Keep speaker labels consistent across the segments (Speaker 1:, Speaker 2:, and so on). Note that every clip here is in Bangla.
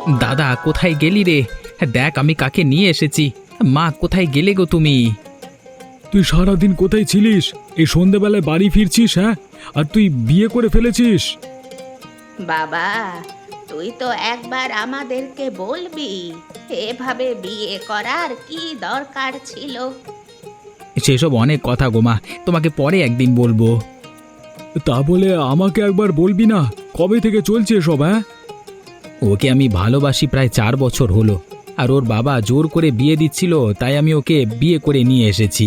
Speaker 1: দাদা কোথায় গেলি রে? দেখ আমি কাকে নিয়ে এসেছি। মা কোথায় গেলে গো তুমি?
Speaker 2: তুই সারাদিন কোথায় ছিলিস? এই সন্ধেবেলায় বাড়ি ফিরছিস? হ্যাঁ, আর তুই বিয়ে করে ফেলেছিস?
Speaker 3: বাবা, তুই তো একবার আমাদেরকে বলবি এভাবে বিয়ে করার কি দরকার ছিল?
Speaker 1: সেসব অনেক কথা গো মা, তোমাকে পরে একদিন বলবো।
Speaker 2: তা বলে আমাকে একবার বলবি না? কবে থেকে চলছে এসব? হ্যাঁ,
Speaker 1: ওকে আমি ভালোবাসি প্রায় 4 বছর হলো, আর ওর বাবা জোর করে বিয়ে দিচ্ছিল, তাই আমি ওকে বিয়ে করে নিয়ে এসেছি।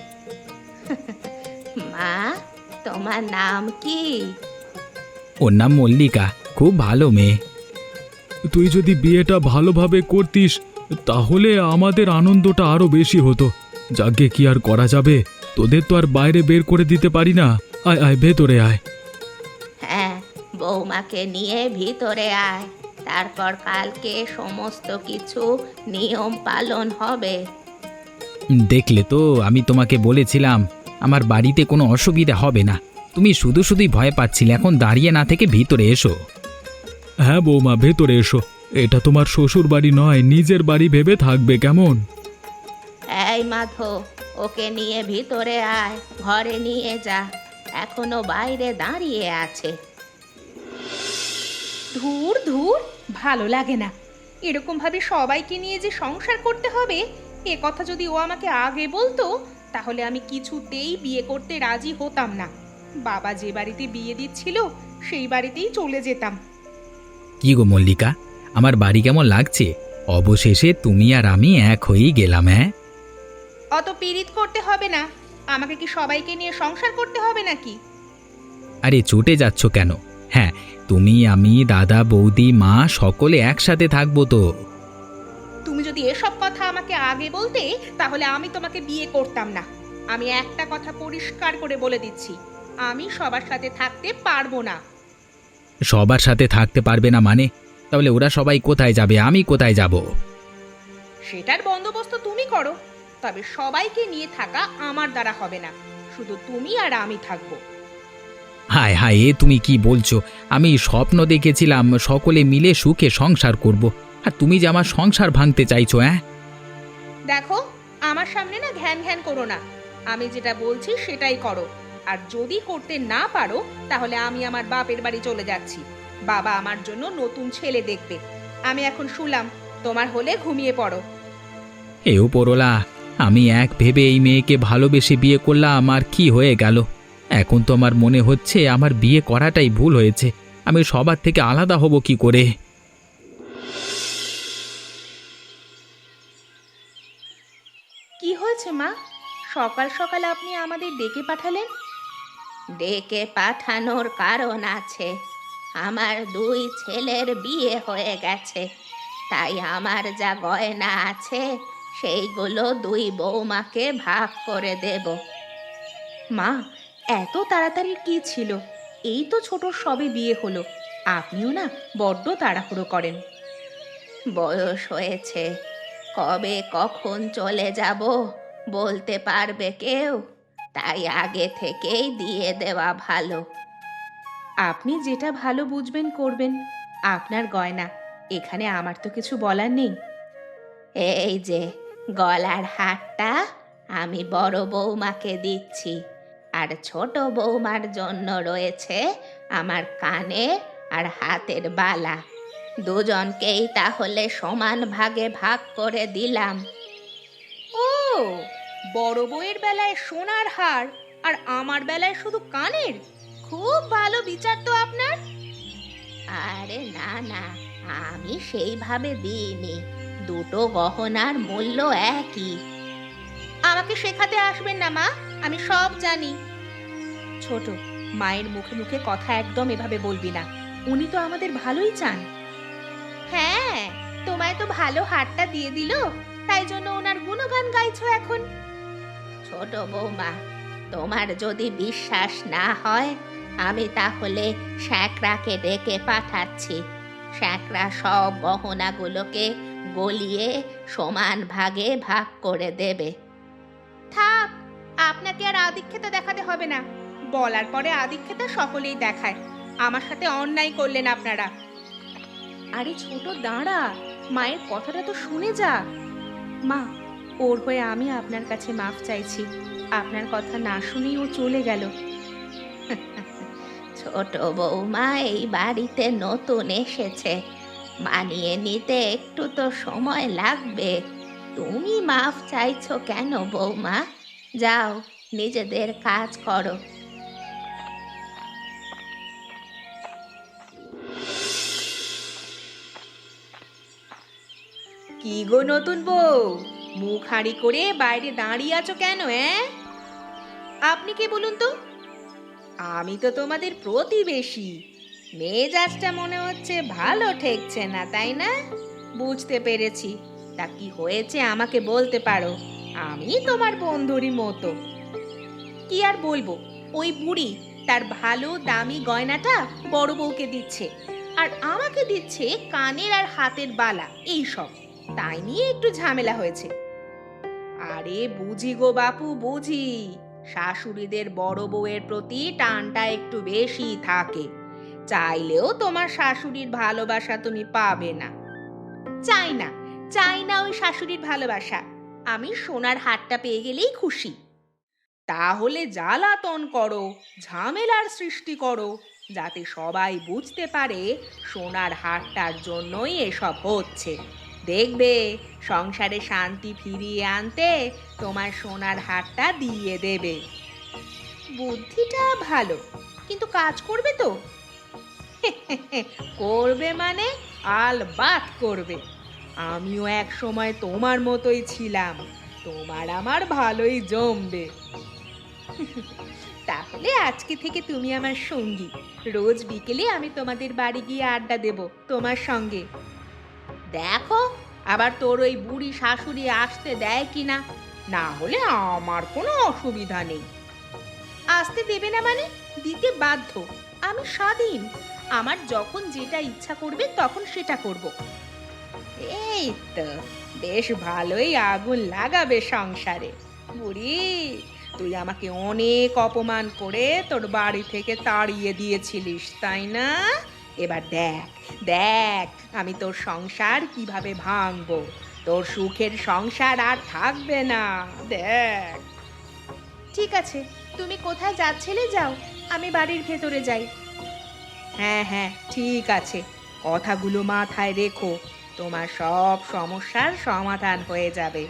Speaker 3: মা, তোমার নাম কি?
Speaker 1: ওর নাম মল্লিকা, খুব ভালো মেয়ে।
Speaker 2: তুই যদি বিয়েটা ভালোভাবে করতিস তাহলে আমাদের আনন্দটা আরো বেশি হতো। যাকে কি আর করা যাবে, তোদের তো আর বাইরে বের করে দিতে পারি না। আয় আয়, ভেতরে আয়।
Speaker 3: হ্যাঁ, বৌমাকে নিয়ে ভিতরে আয়, তারপর কালকে সমস্ত কিছু নিয়ম পালন হবে।
Speaker 1: দেখলে তো, আমি তোমাকে বলেছিলাম আমার বাড়িতে কোনো অসুবিধা হবে না। তুমি শুধু শুধুই ভয় পাচ্ছিলে, এখন দাঁড়িয়ে না থেকে ভিতরে এসো।
Speaker 2: হ্যাঁ বৌমা, ভেতরে এসো। এটা তোমার শ্বশুর বাড়ি নয়, নিজের বাড়ি ভেবে থাকবে, কেমন?
Speaker 3: এই মাধব, ওকে নিয়ে ভিতরে আয়, ঘরে নিয়ে যা, এখনো বাইরে দাঁড়িয়ে আছে।
Speaker 4: ধুর ধুর, ভালো লাগে না এরকম ভাবে সবাইকে নিয়ে যে সংসার করতে হবে। এ কথা যদি ও আমাকে আগে বলতো তাহলে আমি কিছুতেই বিয়ে করতে রাজি হতাম না। বাবা যে বাড়িতে বিয়ে দিচ্ছিল সেই বাড়িতেই চলে যেতাম।
Speaker 1: কি গো মল্লিকা, আমার বাড়ি কেমন লাগছে? অবশেষে তুমি আর আমি এক হয়েই গেলাম। হ্যাঁ,
Speaker 4: অত পীড়িত করতে হবে না, আমাকে কি সবাইকে নিয়ে সংসার করতে হবে নাকি?
Speaker 1: আরে চটে যাচ্ছ কেন? হ্যাঁ, তুমি আমি দাদা বৌদি মা সকলে একসাথে থাকবো তো।
Speaker 4: তুমি যদি এসব কথা আমাকে আগে বলতে তাহলে আমি তোমাকে বিয়ে করতাম না। আমি একটা কথা পরিষ্কার করে বলে দিচ্ছি, আমি সবার সাথে থাকতে পারবো না।
Speaker 1: সবার সাথে থাকতে পারবে না মানে? তাহলে ওরা সবাই কোথায় যাবে, আমি কোথায় যাব?
Speaker 4: সেটার বন্দোবস্ত তুমি করো, তবে সবাইকে নিয়ে থাকা আমার দ্বারা হবে না, শুধু তুমি আর আমি থাকবো।
Speaker 1: হায় হায়, এ তুমি কি বলছো? আমি স্বপ্ন দেখেছিলাম সকলে মিলে সুখে সংসার করব, আর তুমি যে আমার সংসার ভাঙতে চাইছো। হ্যাঁ,
Speaker 4: দেখো, আমার সামনে না ঘ্যান ঘ্যান করো না, আমি যেটা বলছি সেটাই করো। আর যদি করতে না পারো তাহলে আমি আমার বাপের বাড়ি চলে যাচ্ছি। বাবা আমার জন্য নতুন ছেলে দেখবে। আমি এখন শুলাম, তোমার হলে ঘুমিয়ে পড়ো।
Speaker 1: এ উপরওয়ালা, আমি এক ভেবে এই মেয়েকে ভালোবেসে বিয়ে করলাম, আর কি হয়ে গেল? এখন তো আমার মনে হচ্ছে আমার বিয়ে করাটাই ভুল হয়েছে। আমি সবার থেকে আলাদা হব কি করে?
Speaker 4: কি হয়েছে মা? সকাল সকাল আপনি আমাদের ডেকে পাঠালেন?
Speaker 3: ডেকে পাঠানোর কারণ আছে। আমার দুই ছেলের বিয়ে হয়ে গেছে, তাই আমার যা গয়না আছে সেইগুলো দুই বৌমাকে ভাগ করে দেব।
Speaker 4: মা, এত তাড়াতাড়ি কি ছিল? এই তো ছোট সবে বিয়ে হলো, আপনিও না বড্ড তাড়াহুড়ো করেন।
Speaker 3: বয়স হয়েছে, কবে কখন চলে যাব বলতে পারবে কেউ? তাই আগে থেকেই দিয়ে দেওয়া ভালো।
Speaker 4: আপনি যেটা ভালো বুঝবেন করবেন, আপনার গয়না, এখানে আমার তো কিছু বলার নেই।
Speaker 3: এই যে গলার হারটা আমি বড় বৌমাকে দিচ্ছি, আর ছোট বৌমার জন্য রয়েছে আমার কানে আর হাতের বালা। দুজনকেই তাহলে সমান ভাগে ভাগ করে দিলাম।
Speaker 4: ও, বড় বউয়ের বেলায় সোনার হার আর আমার বেলায় শুধু কানের? খুব ভালো বিচার তো আপনার।
Speaker 3: আরে না না, আমি সেইভাবে দিইনি, দুটো গহনার মূল্য একই।
Speaker 4: আমাকে শেখাতে আসবেন না মা, আমি সব জানি। ছোট, মায়ের মুখে মুখে কথা একদম এভাবে বলবি না, উনি তো আমাদের ভালোই চান। হ্যাঁ, তোমায় তো ভালো হারটা দিয়ে দিল, তাই জন্য ওনার গুণগান গাইছো এখন।
Speaker 3: ছোট বৌমা, তোমার যদি বিশ্বাস না হয় আমি তাহলে শ্যাকরাকে ডেকে পাঠাচ্ছি। শ্যাকরা সব গহনাগুলোকে গলিয়ে সমান ভাগে ভাগ করে দেবে।
Speaker 4: থাক, আপনাকে আর আদিক্ষেতা দেখাতে হবে না। বলার পরে আদিক্ষেতা সকলেই দেখায়। আমার সাথে অন্যায় করলেন আপনারা। আরে ছোট দাঁড়া, মায়ের কথাটা তো শুনে যা। মা, ওর হয়ে আমি আপনার কাছে মাফ চাইছি। আপনার কথা না শুনেই ও চলে গেল।
Speaker 3: ছোট বৌমা এই বাড়িতে নতুন এসেছে, মানিয়ে নিতে একটু তো সময় লাগবে। তুমি মাফ চাইছো কেন বৌমা? যাও, নিজেদের কাজ করো।
Speaker 4: কি গো নতুন বউ, মুখ হাঁড়ি করে বাইরে দাঁড়িয়ে আছো কেন? আপনি কে বলুন তো? আমি তো তোমাদের প্রতিবেশী। মেজাজটা মনে হচ্ছে ভালো ঠেকছে না, তাই না? বুঝতে পেরেছি। তা কি হয়েছে আমাকে বলতে পারো, আমি তোমার বন্ধুরই মতো। কি আর বলবো, ওই বুড়ি তার ভালো দামি গয়নাটা বড় বউকে দিচ্ছে, আর আমাকে দিচ্ছে কানের আর হাতের বালা, এই সব। তাই নিয়ে একটু ঝামেলা হয়েছে। আরে বুঝি গো বাপু, বুঝি। শাশুড়িদের বড় বউয়ের প্রতি টানটা একটু বেশি থাকে। চাইলেও তোমার শাশুড়ির ভালোবাসা তুমি পাবে না। চাই না, চাই না ওই শাশুড়ির ভালোবাসা। আমি সোনার হারটা পেয়ে গেলেই খুশি। তাহলে জ্বালাতন করো, ঝামেলার সৃষ্টি করো, যাতে সবাই বুঝতে পারে সোনার হারটার জন্যই এসব হচ্ছে। দেখবে সংসারে শান্তি ফিরিয়ে আনতে তোমার সোনার হারটা দিয়ে দেবে। বুদ্ধিটা ভালো, কিন্তু কাজ করবে তো? করবে মানে আলবাত করবে। আমিও এক সময় তোমার মতোই ছিলাম, তোমার আমার ভালোই জমবে। তাহলে আজকে থেকে তুমি আমার সঙ্গী। রোজ বিকেলে আমি তোমাদের বাড়ি গিয়ে আড্ডা দেব তোমার সঙ্গে। দেখো আবার তোর ওই বুড়ি শাশুড়ি আসতে দেয় কিনা, না হলে আমার কোনো অসুবিধা নেই। আসতে দেবে না মানে? দিতে বাধ্য। আমি স্বাধীন, আমার যখন যেটা ইচ্ছা করবে তখন সেটা করব। এই তো বেশ ভালোই আগুন লাগাবে সংসারে। বুড়ি, তুই আমাকে অনেক অপমান করে তোর বাড়ি থেকে তাড়িয়ে দিয়েছিলিস, তাই না? এবার দেখ দেখ আমি তোর সংসার কিভাবে ভাঙবো। তোর সুখের সংসার আর থাকবে না, দেখ। ঠিক আছে, তুমি কোথায় যাচ্ছিলে যাও, আমি বাড়ির ভেতরে যাই। হ্যাঁ হ্যাঁ ঠিক আছে, কথাগুলো মাথায় রেখো। তোমার সব সমস্যার সমাধান হয়ে যাবে।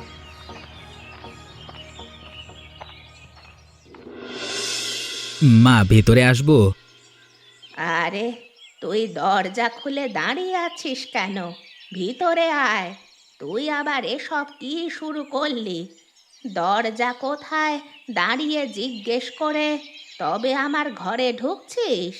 Speaker 1: মা, ভেতরে আসবো?
Speaker 3: আরে, তুই দরজা খুলে দাঁড়িয়ে আছিস কেন? ভিতরে আয়। তুই আবার এসব কি শুরু করলি? দরজা কোথায় দাঁড়িয়ে জিজ্ঞেস করে তবে আমার ঘরে ঢুকছিস?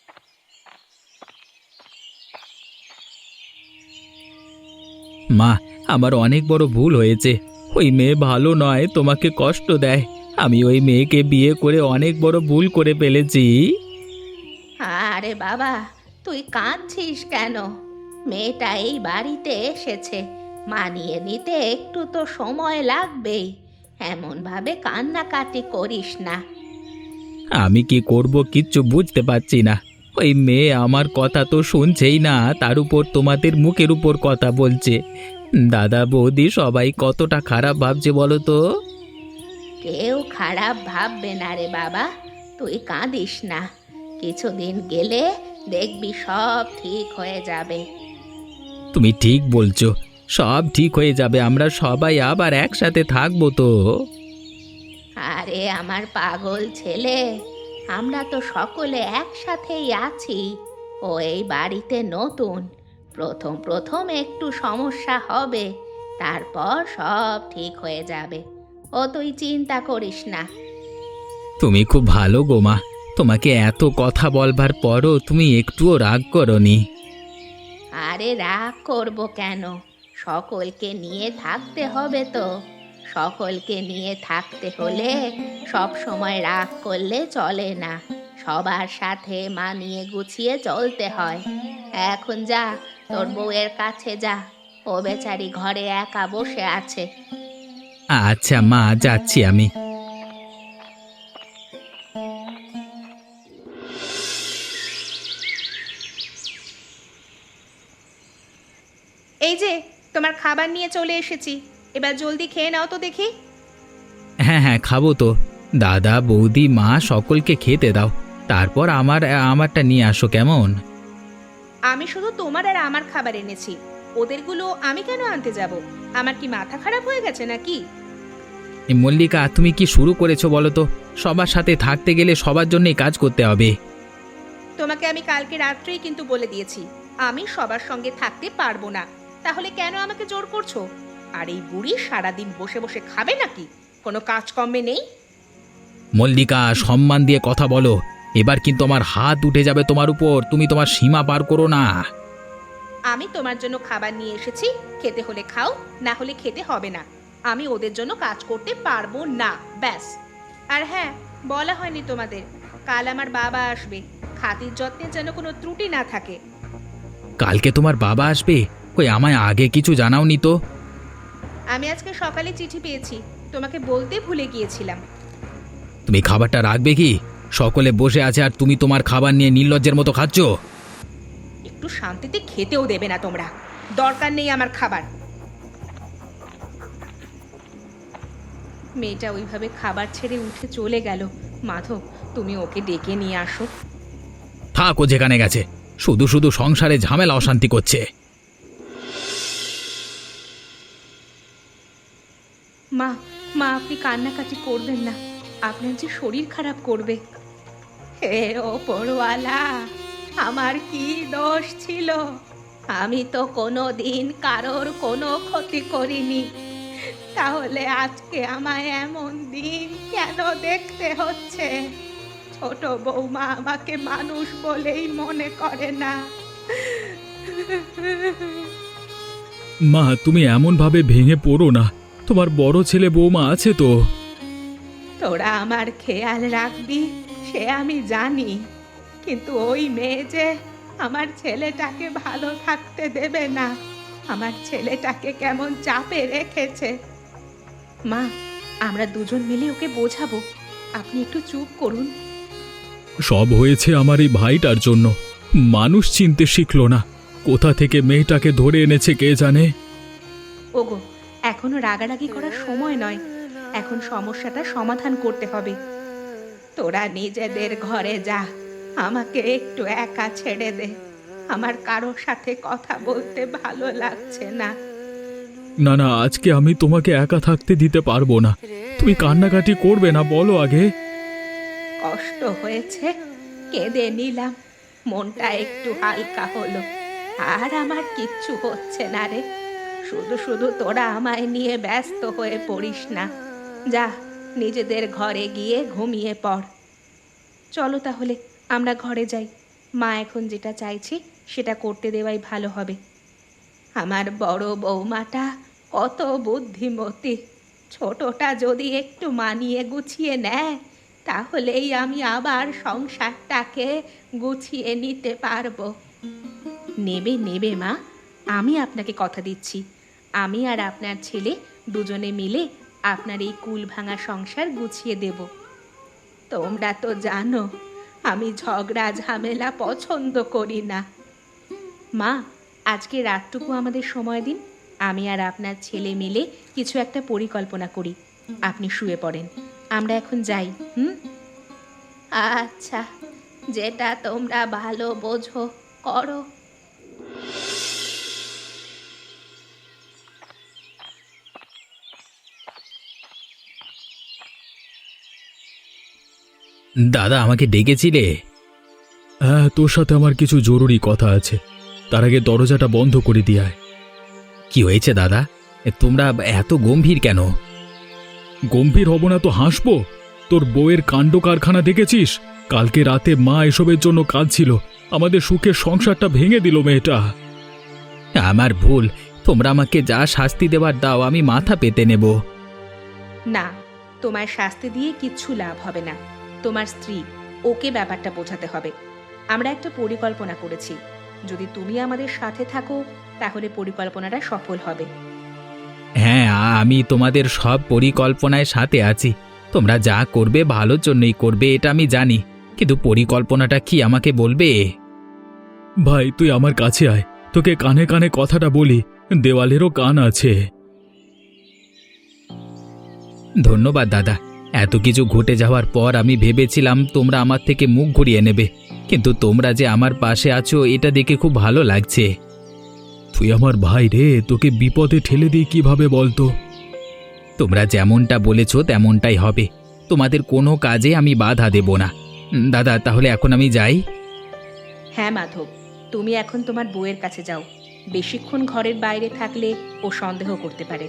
Speaker 1: মা, আমার অনেক বড় ভুল হয়েছে। ওই মেয়ে ভালো নয়, তোমাকে কষ্ট দেয়। আমি ওই মেয়েকে বিয়ে করে অনেক বড় ভুল করে ফেলেছি।
Speaker 3: আরে বাবা, তুই কাঁদছিস কেন? মেয়েটা এই বাড়িতে এসেছে, মানিয়ে নিতে একটু তো সময় লাগবেই। এমন ভাবে কান্নাকাটি করিস না।
Speaker 1: আমি কি করব কিচ্ছু বুঝতে পারছি না। ওই মেয়ে আমার কথা তো শুনছেই না, তার উপর তোমাদের মুখের উপর কথা বলছে। দাদা বৌদি সবাই কতটা খারাপ ভাবছে বলো তো।
Speaker 3: কেউ খারাপ ভাববে না রে বাবা, তুই কাঁদিস না। কিছুদিন গেলে দেখবি সব ঠিক হয়ে যাবে।
Speaker 1: তুমি ঠিক বলছো, সব ঠিক হয়ে যাবে, আমরা সবাই আবার একসাথে থাকবো তো।
Speaker 3: আরে আমার পাগল ছেলে, আমরা তো সকলে একসাথেই আছি। ও এই বাড়িতে নতুন, প্রথম প্রথম একটু সমস্যা হবে, তারপর সব ঠিক হয়ে যাবে। ও তুই চিন্তা করিস না।
Speaker 1: তুমি খুব ভালো গো মা, তোমাকে এত কথা বলবার পরও তুমি একটুও রাগ করনি।
Speaker 3: আরে রাগ করব কেন? সকলকে নিয়ে থাকতে হবে তো। সকলকে নিয়ে থাকতে হলে সব সময় রাগ করলে চলে না। সবার সাথে মানিয়ে গুছিয়ে চলতে হয়। এখন যা, তোর বউয়ের কাছে যা। ও বেচারি ঘরে একা বসে আছে।
Speaker 1: আচ্ছা মা, যাচ্ছি আমি।
Speaker 4: এই যে তোমার খাবার নিয়ে চলে এসেছি, এবার জলদি খেয়ে নাও তো দেখি।
Speaker 1: হ্যাঁ হ্যাঁ, খাবো তো। দাদা, বৌদি, মা সকলকে খেতে দাও, তারপর আমারটা নিয়ে আসো কেমন?
Speaker 4: আমি শুধু তোমার আর আমার খাবার এনেছি, ওদেরগুলো আমি কেন আনতে যাব? আমার কি মাথা খারাপ হয়ে গেছে নাকি?
Speaker 1: এই মল্লিকা, তুমি কি শুরু করেছো বলো তো? সবার সাথে থাকতে গেলে সবার জন্যই কাজ করতে হবে।
Speaker 4: তোমাকে আমি কালকে রাত্রেই কিন্তু বলে দিয়েছি আমি সবার সঙ্গে থাকতে পারবো না, তাহলে কেন আমাকে জোর করছো? আর এই বুড়ি সারাদিন বসে বসে খাবে নাকি? কোনো কাজকর্মে নেই?
Speaker 1: মল্লিকা, সম্মান দিয়ে কথা বলো। এবার কিন্তু আমার হাত উঠে যাবে তোমার উপর, তুমি তোমার সীমা পার করো না।
Speaker 4: আমি তোমার জন্য খাবার নিয়ে এসেছি, খেতে হলে খাও, না হলে খেতে হবে না। আমি ওদের জন্য কাজ করতে পারবো না, ব্যাস। আর হ্যাঁ, বলা হয়নি তোমাদের, কাল আমার বাবা আসবে, খাতির যত্নের যেন কোনো ত্রুটি না থাকে।
Speaker 1: কালকে তোমার বাবা আসবে? কই, আমায় আগে কিছু জানাওনি তো।
Speaker 4: আমি আজকে সকালে চিঠি পেয়েছি, তোমাকে বলতে ভুলে গিয়েছিলাম।
Speaker 1: তুমি খাবারটা রাখবে কি? সকলে বসে আছে আর তুমি তোমার খাবার নিয়ে নির্লজ্জের মতো খাচ্ছ।
Speaker 4: একটু শান্তিতে খেতেও দেবে না তোমরা, দরকার নেই আমার খাবার। মেয়েটা ওইভাবে খাবার ছেড়ে উঠে চলে গেল। মাধব, তুমি ওকে ডেকে নিয়ে আসো।
Speaker 1: থাকো যেখানে গেছে, শুধু শুধু সংসারে ঝামেলা অশান্তি করছে।
Speaker 4: মা, মা আপনি কান্নাকাটি করবেন না, আপনার যে শরীর খারাপ করবে। হে ওপরওয়ালা, আমার কি দোষ ছিল? আমি তো কোনো দিন কারোর কোনো ক্ষতি করিনি, তাহলে আজকে আমায় এমন দিন কেন দেখতে হচ্ছে? ছোট বৌমা আমাকে মানুষ বলেই মনে করে না।
Speaker 2: মা, তুমি এমন ভাবে ভেঙে পড়ো না, তোমার বড় ছেলে বৌমা আছে তো।
Speaker 4: তোরা আমার খেয়াল রাখবি সে আমি জানি, কিন্তু ওই মেয়ে যে আমার ছেলেটাকে ভালো থাকতে দেবে না, আমার ছেলেটাকে কেমন চাপে রেখেছে। মা, আমরা দুজন মিলে ওকে বোঝাবো, আপনি একটু চুপ করুন।
Speaker 2: সব হয়েছে আমার এই ভাইটার জন্য। মানুষ চিনতে শিখলো না, কোথা থেকে মেয়েটাকে ধরে এনেছে কে জানে।
Speaker 4: ওগো, এখনো রাগারাগি করার সময় নয়, এখন সমস্যাটা সমাধান করতে হবে। তোরা নিজেদের ঘরে যা, আমাকে একটু একা ছেড়ে দে, আমার কারোর সাথে কথা বলতে ভালো লাগছে না।
Speaker 2: না না, আজকে আমি তোমাকে একা থাকতে দিতে পারবো না। তুমি কান্নাকাটি করবে না, বলো আগে।
Speaker 4: কষ্ট হয়েছে, কেঁদে নিলাম, মনটা একটু হালকা হলো। আর আমার কিচ্ছু হচ্ছে না রে, শুধু শুধু তোরা আমায় নিয়ে ব্যস্ত হয়ে পড়িস না। যা, নিজেদের ঘরে গিয়ে ঘুমিয়ে পড়। চলো তাহলে আমরা ঘরে যাই, মা এখন যেটা চাইছি সেটা করতে দেওয়াই ভালো হবে। আমার বড় বৌমাটা কত বুদ্ধিমতী, ছোটটা যদি একটু মানিয়ে গুছিয়ে নেয় তাহলেই আমি আবার সংসারটাকে গুছিয়ে নিতে পারবো। নেবে নেবে মা, আমি আপনাকে কথা দিচ্ছি, আমি আর আপনার ছেলে দুজনে মিলে আপনার এই কুল ভাঙা সংসার গুছিয়ে দেব। তোমরা তো জানো আমি ঝগড়া ঝামেলা পছন্দ করি না। মা, আজকে রাতটুকু আমাদের সময় দিন, আমি আর আপনার ছেলে মিলে কিছু একটা পরিকল্পনা করি। আপনি শুয়ে পড়েন, আমরা এখন যাই। আচ্ছা, যেটা তোমরা ভালো বোঝো করো।
Speaker 1: দাদা, আমাকে ডেকেছিলে?
Speaker 2: হ্যাঁ, তোর সাথে আমার কিছু জরুরি কথা আছে, তার আগে দরজাটা বন্ধ করে দিয়ে আয়।
Speaker 1: কি হয়েছে দাদা? তোমরা এত গম্ভীর কেন?
Speaker 2: গম্ভীর হব না তো হাসবো? তোর বউয়ের কাণ্ড কারখানা দেখেছিস? কালকে রাতে মা এসবের জন্য কাঁদছিল, আমাদের সুখের সংসারটা ভেঙে দিল মেয়েটা।
Speaker 1: আমার ভুল, তোমরা আমাকে যা শাস্তি দেবার দাও, আমি মাথা পেতে নেব।
Speaker 4: না, তোমার শাস্তি দিয়ে কিচ্ছু লাভ হবে না। তোমার স্ত্রী, ওকে ব্যাপারটা বোঝাতে হবে। আমরা একটা পরিকল্পনা করেছি, যদি তুমি আমাদের সাথে থাকো তাহলে পরিকল্পনাটা সফল হবে।
Speaker 1: হ্যাঁ, আমি তোমাদের সব পরিকল্পনায় সাথে আছি। তোমরা যা করবে ভালোর জন্যই করবে, এটা আমি জানি, কিন্তু পরিকল্পনাটা কি আমাকে বলবে?
Speaker 2: ভাই, তুই আমার কাছে আয়, তোকে কানে কানে কথাটা বলি, দেওয়ালেরও কান আছে।
Speaker 1: ধন্যবাদ দাদা। এত কিছু ঘটে যাওয়ার পর আমি ভেবেছিলাম তোমরা আমার থেকে মুখ ঘুরিয়ে নেবে, কিন্তু তোমরা যে আমার পাশে আছো এটা দেখে খুব ভালো লাগছে।
Speaker 2: তুই আমার ভাই রে, তোকে বিপদে ঠেলে দিই কিভাবে বলতো?
Speaker 1: তোমরা যেমনটা বলেছো তেমনটাই হবে। তোমাদের কোনো কাজে আমি বাধা দেব না। দাদা, তাহলে এখন আমি যাই।
Speaker 4: হ্যাঁ মাধব, তুমি এখন তোমার বউয়ের কাছে যাও। বেশিক্ষণ ঘরের বাইরে থাকলে ও সন্দেহ করতে পারে।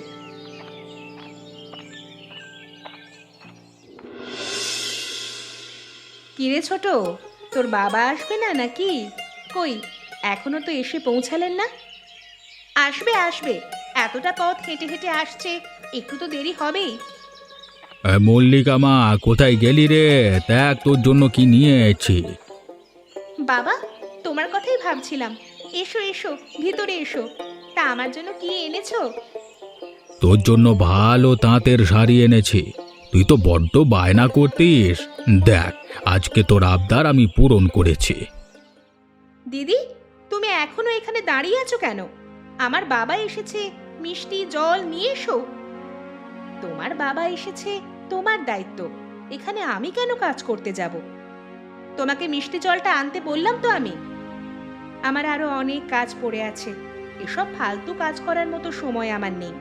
Speaker 4: কিরে ছোট, তোর বাবা আসবে না নাকি? কই, এখনো তো এসে পৌঁছালেন না? আসবে আসবে, এতটা পথ হেঁটে হেঁটে আসছে, একটু তো দেরি হবেই।
Speaker 2: মল্লিকা মা, কোথায় গেলি রে? দেখ তোর জন্য কি নিয়ে এসেছি।
Speaker 4: বাবা, তোমার কথাই ভাবছিলাম। এসো এসো, ভিতরে এসো। তা আমার জন্য কি এনেছো?
Speaker 2: তোর জন্য ভালো তাঁতের শাড়ি এনেছি। তুই তো বড্ড বায়না করতিস। দেখ, আজকে তোর আবদার আমি পূরণ করেছি।
Speaker 4: দিদি, তুমি এখনো এখানে দাঁড়িয়ে আছো কেন? আমার বাবা এসেছে, মিষ্টি জল নিয়ে এসো। তোমার বাবা এসেছে, তোমার দায়িত্ব। এখানে আমি কেন কাজ করতে যাব? তোমাকে মিষ্টি জলটা আনতে বললাম তো আমি। আমার আরো অনেক কাজ পড়ে আছে, এসব ফালতু কাজ করার মতো সময় আমার নেই।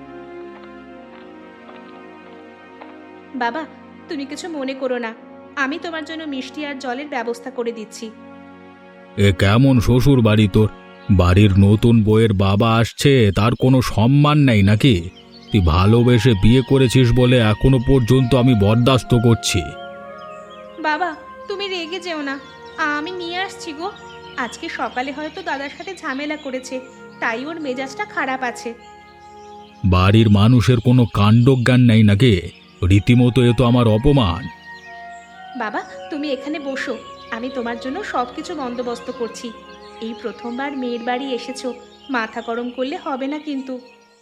Speaker 4: বাবা, তুমি কিছু মনে করো না, আমি তোমার জন্য মিষ্টি আর জলের ব্যবস্থা করে দিচ্ছি।
Speaker 2: এ কেমন শ্বশুর বাড়ি তোর? বাড়ির নতুন বউয়ের বাবা আসছে, তার কোনো সম্মান নেই নাকি? তুই ভালোবেসে বিয়ে করেছিস বলে এখনো পর্যন্ত আমি বরদাস্ত করছি।
Speaker 4: বাবা, তুমি রেগে যেও না, আমি নিয়ে আসছি গো। আজকে সকালে হয়তো দাদার সাথে ঝামেলা করেছে, তাই ওর মেজাজটা খারাপ আছে।
Speaker 2: বাড়ির মানুষের কোনো কাণ্ডজ্ঞান নেই নাকি? রীতিমতো এ তো আমার অপমান।
Speaker 4: বাবা, তুমি এখানে বসো, আমি তোমার জন্য সবকিছু বন্দোবস্ত করছি। এই প্রথমবার মেয়ের বাড়ি এসেছো, মাথা গরম করলে হবে না কিন্তু।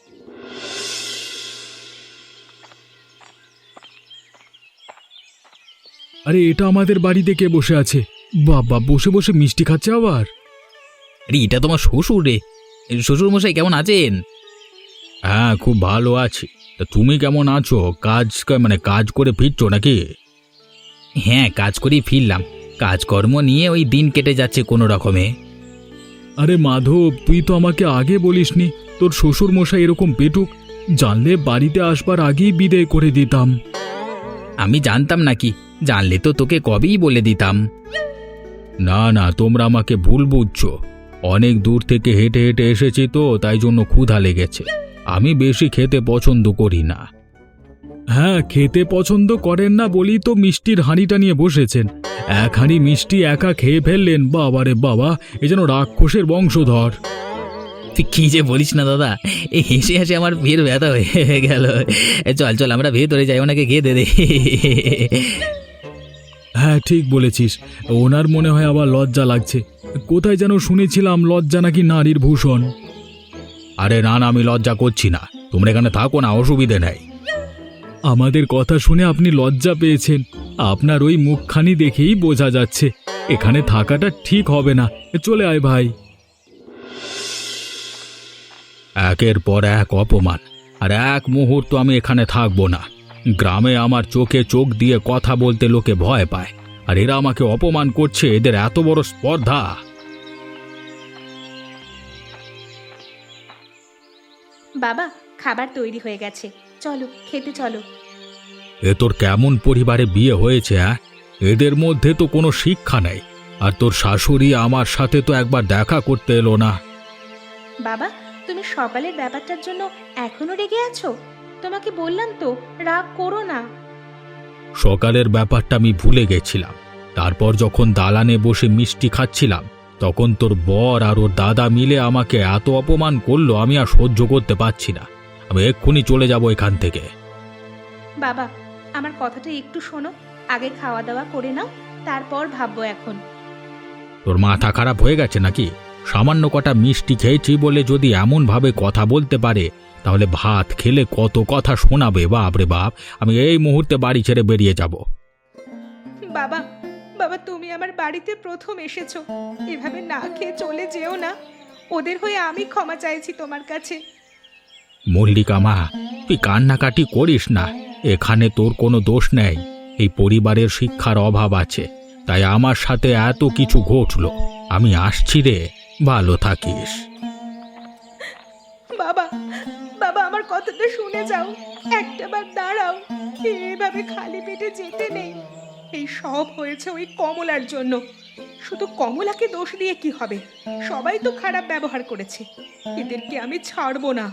Speaker 2: আরে, এটা আমাদের বাড়িতে কে বসে আছে? বাবা, বসে বসে মিষ্টি খাচ্ছে আবার।
Speaker 1: আরে, এটা তোমার শ্বশুর রে। শ্বশুর মশাই কেমন আছেন?
Speaker 2: হ্যাঁ, খুব ভালো আছি। তা তুমি কেমন আছো? কাজ করে ফিরছো নাকি?
Speaker 1: হ্যাঁ, কাজ করেই ফিরলাম। কাজকর্ম নিয়ে ওই দিন কেটে যাচ্ছে কোনো রকমে।
Speaker 2: আরে মাধব, তুই তো আমাকে আগে বলিসনি তোর শ্বশুর মশাই এরকম পেটুক। জানলে বাড়িতে আসবার আগেই বিদায় করে দিতাম।
Speaker 1: আমি জানতাম নাকি? জানলে তো তোকে কবেই বলে দিতাম।
Speaker 2: না না, তোমরা আমাকে ভুল বুঝছো। অনেক দূর থেকে হেঁটে হেঁটে এসেছি তো, তাই জন্য ক্ষুধা লেগেছে। আমি বেশি খেতে পছন্দ করি না। হ্যাঁ, খেতে পছন্দ করেন না বলেই তো মিষ্টির হাঁড়িটা নিয়ে বসেছেন। এক হাঁড়ি মিষ্টি একা খেয়ে ফেললেন। বাবারে বাবা, এ যেন রাক্ষসের বংশধর।
Speaker 1: তুই কি যে বলিস না দাদা, এই হেসে হেসে আমার ভিড় ব্যথা হয়ে গেল। চল চল, আমরা ভেতরে যাই, ওনাকে খেয়ে দে।
Speaker 2: হ্যাঁ, ঠিক বলেছিস। ওনার মনে হয় আবার লজ্জা লাগছে। কোথায় যেন শুনেছিলাম লজ্জা নাকি নারীর ভূষণ। আরে না না, আমি লজ্জা করছি না। তোমরা এখানে থাকো না, অসুবিধে নেই। আমাদের কথা শুনে আপনি লজ্জা পেয়েছেন। আপনার ওই মুখখানি দেখেই বোঝা যাচ্ছে। এখানে থাকাটা ঠিক হবে না। চলে আয় ভাই। একের পর এক অপমান, আর এক মুহূর্ত আমি এখানে থাকবো না। গ্রামে আমার চোখে চোখ দিয়ে কথা বলতে লোকে ভয় পায়, আর এরা আমাকে অপমান করছে। এদের এত বড় স্পর্ধা!
Speaker 4: বাবা, খাবার তৈরি হয়ে গেছে, চলো খেতে চলো।
Speaker 2: এ তোর কেমন পরিবারে বিয়ে হয়েছে? এদের মধ্যে তো কোনো শিক্ষা নেই। আর তোর শাশুড়ি আমার সাথে তো একবার দেখা করতে এলো না।
Speaker 4: বাবা, তুমি সকালের ব্যাপারটার জন্য এখনো রেগে আছো? তোমাকে বললাম তো, রাগ করো না।
Speaker 2: সকালের ব্যাপারটা আমি ভুলে গেছিলাম। তারপর যখন দালানে বসে মিষ্টি খাচ্ছিলাম, তখন তোর বর আর ওর দাদা মিলে আমাকে এত অপমান করলো, আমি আর সহ্য করতে পারছি না। আমি এক্ষুনি চলে যাব এখান থেকে।
Speaker 4: বাবা, আমার কথাটা একটু শোনো। আগে খাওয়া দাওয়া করে নাও, তারপর ভাববো এখন।
Speaker 2: তোর মাথা খারাপ হয়ে গেছে নাকি? সামান্য কটা মিষ্টি খেয়েছি বলে যদি এমন ভাবে কথা বলতে পারে, তাহলে ভাত খেলে কত কথা শোনাবে। বাপ রে বাপ, আমি এই মুহূর্তে বাড়ি ছেড়ে বেরিয়ে যাব।
Speaker 4: বাবা, বাবা, তুমি আমার বাড়িতে প্রথম এসেছো, এভাবে না খেয়ে চলে যেও না। ওদের হয়ে আমি ক্ষমা চাইছি তোমার কাছে।
Speaker 1: মল্লিকা মা, তুই কান্নাকাটি করিস না। এখানে তোর কোনো দোষ নেই। এই পরিবারের শিক্ষার অভাব আছে, তাই আমার সাথে এত কিছু ঘটলো। আমি আসছি রে, ভালো থাকিস।
Speaker 4: বাবা, বাবা আমার কথাটা শুনে যাও, একটাবার দাঁড়াও। এভাবে খালি পেটে যেতে নেই। এই সব হয়েছে ওই কমলার জন্য। শুধু কমলাকে দোষ দিয়ে কি হবে? সবাই তো খারাপ ব্যবহার করেছে, এদেরকে আমি ছাড়বো না।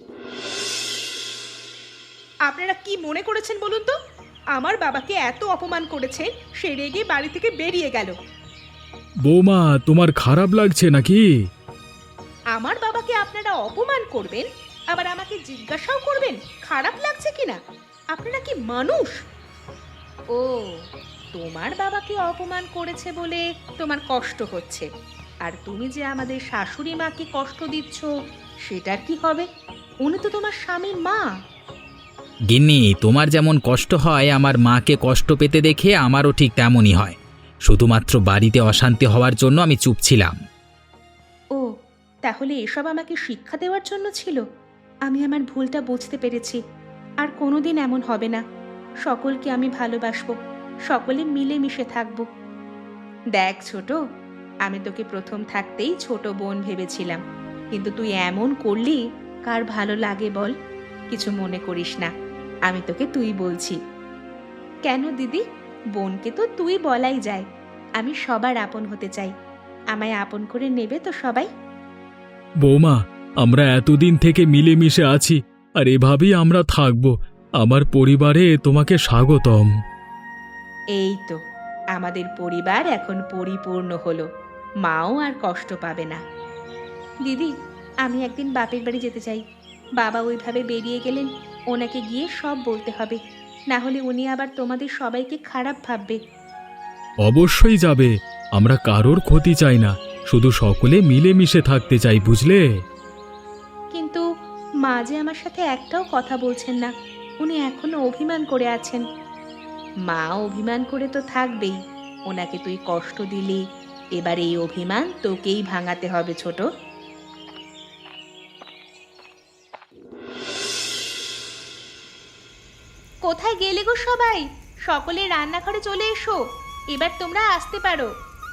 Speaker 4: আপনারা কি মনে করেছেন বলুন তো? আমার বাবাকে এত অপমান করেছে, সে রেগে বাড়ি থেকে বেরিয়ে গেল।
Speaker 2: বৌমা, তোমার খারাপ লাগছে নাকি?
Speaker 4: আমার বাবাকে আপনারা অপমান করবেন, আবার আমাকে জিজ্ঞাসাও করবেন খারাপ লাগছে কিনা? আপনারা কি মানুষ? ও, তোমার বাবাকে অপমান করেছে বলে তোমার কষ্ট হচ্ছে, আর তুমি যে আমাদের শাশুড়ি মাকে কষ্ট দিচ্ছ সেটার কি হবে? উনি তো তোমার স্বামীর মা।
Speaker 1: গিন্নি, তোমার যেমন কষ্ট হয় আমার মাকে কষ্ট পেতে দেখে আমারও ঠিক তেমনই হয়। শুধুমাত্র বাড়িতে অশান্তি হওয়ার জন্য আমি চুপ ছিলাম।
Speaker 4: ও, তাহলে এসব আমাকে শিক্ষা দেওয়ার জন্য ছিল? আমি আমার ভুলটা বুঝতে পেরেছি। আর কোনোদিন এমন হবে না। সকলকে আমি ভালোবাসবো, সকলে মিলেমিশে থাকবো। দেখ ছোট, আমি তোকে প্রথম থাকতেই ছোট বোন ভেবেছিলাম, কিন্তু তুই এমন করলি, কার ভালো লাগে বল? কিছু মনে করিস না, আমি তোকে তুই বলছি। কেন দিদি, বোনকে তো তুই বলাই যায়। আমি সবার আপন হতে চাই, আমায় আপন করে নেবে তো সবাই?
Speaker 2: বৌমা, আমরা এতদিন থেকে মিলেমিশে আছি, আর এভাবেই আমরা থাকব। আমার পরিবারে তোমাকে স্বাগতম।
Speaker 4: এই তো, আমাদের পরিবার এখন পরিপূর্ণ হলো। মাও আর কষ্ট পাবে না। দিদি, আমি একদিন বাপের বাড়ি যেতে চাই। বাবা ওইভাবে বেরিয়ে গেলেন, ওনাকে গিয়ে সব বলতে হবে, না হলে উনি আবার তোমাদের সবাইকে খারাপ ভাববে।
Speaker 2: অবশ্যই যাবে। আমরা কারোর ক্ষতি চাই না, শুধু সকলে মিলেমিশে থাকতে চাই, বুঝলে?
Speaker 4: কিন্তু মা যে আমার সাথে একটাও কথা বলছেন না, উনি এখনো অভিমান করে আছেন। মা অভিমান করে তো থাকবেই, ওনাকে তুই কষ্ট দিলি, এবার এই অভিমান তোকেই ভাঙাতে হবে ছোট। কোথায় গেলে গো সবাই? সকলে রান্নাঘরে চলে এসো, এবার তোমরা আসতে পারো।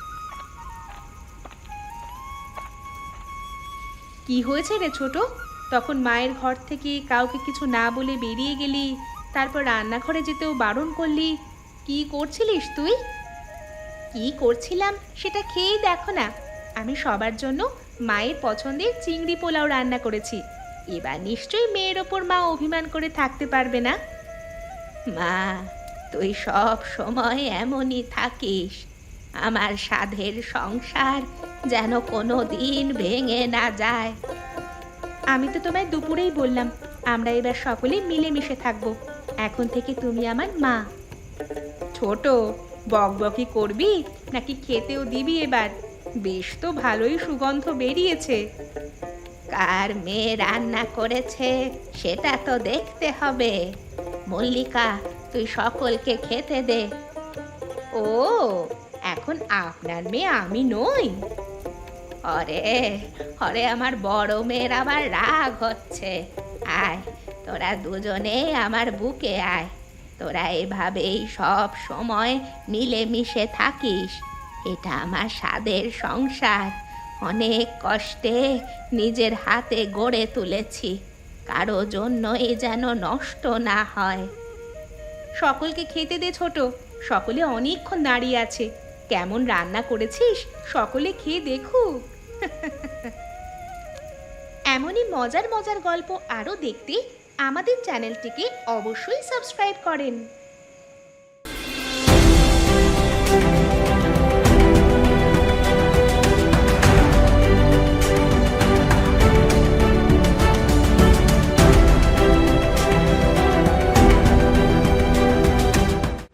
Speaker 4: কি হয়েছে রে ছোট? তখন মায়ের ঘর থেকে কাউকে কিছু না বলে বেরিয়ে গেলি, তারপর রান্নাঘরে যেতেও বারণ করলি। কি করছিলিস তুই? কি করছিলাম সেটা খেয়েই দেখো না। আমি সবার জন্য মায়ের পছন্দের চিংড়ি পোলাও রান্না করেছি। এবার নিশ্চয়ই মেয়ের ওপর মা অভিমান করে থাকতে পারবে না। মা, তুই সব সময় এমনই থাকিস। আমার সাধের সংসার যেন কোনো দিন ভেঙে না যায়। আমি তো তোমায় দুপুরেই বললাম, আমরা এবার সকলে মিলেমিশে থাকবো। এখন থেকে তুমি আমার মা। ছোট, বকবকি করবি নাকি খেতেও দিবি এবার? বেশ তো ভালোই সুগন্ধ বেরিয়েছে। কার মেয়ে রান্না করেছে সেটা তো দেখতে হবে। মল্লিকা, তুই সকলকে খেতে দে। ও, এখন আপনার মেয়ে আমি নই? অরে অরে, আমার বড় মেয়ের আবার রাগ হচ্ছে। আয়, তোরা দুজনেই আমার বুকে আয়। তোরা এভাবেই সব সময় মিলেমিশে থাকিস। এটা আমার স্বাদের সংসার, অনেক কষ্টে নিজের হাতে গড়ে তুলেছি, কারো জন্যই যেন নষ্ট না হয়। সকলকে খেতে দে ছোট, সকলে অনেকক্ষণ দাঁড়িয়ে আছে। কেমন রান্না করেছিস সকলে খেয়ে দেখুক। এমনই মজার মজার গল্প আরও দেখতে আমাদের চ্যানেলটিকে অবশ্যই সাবস্ক্রাইব করেন।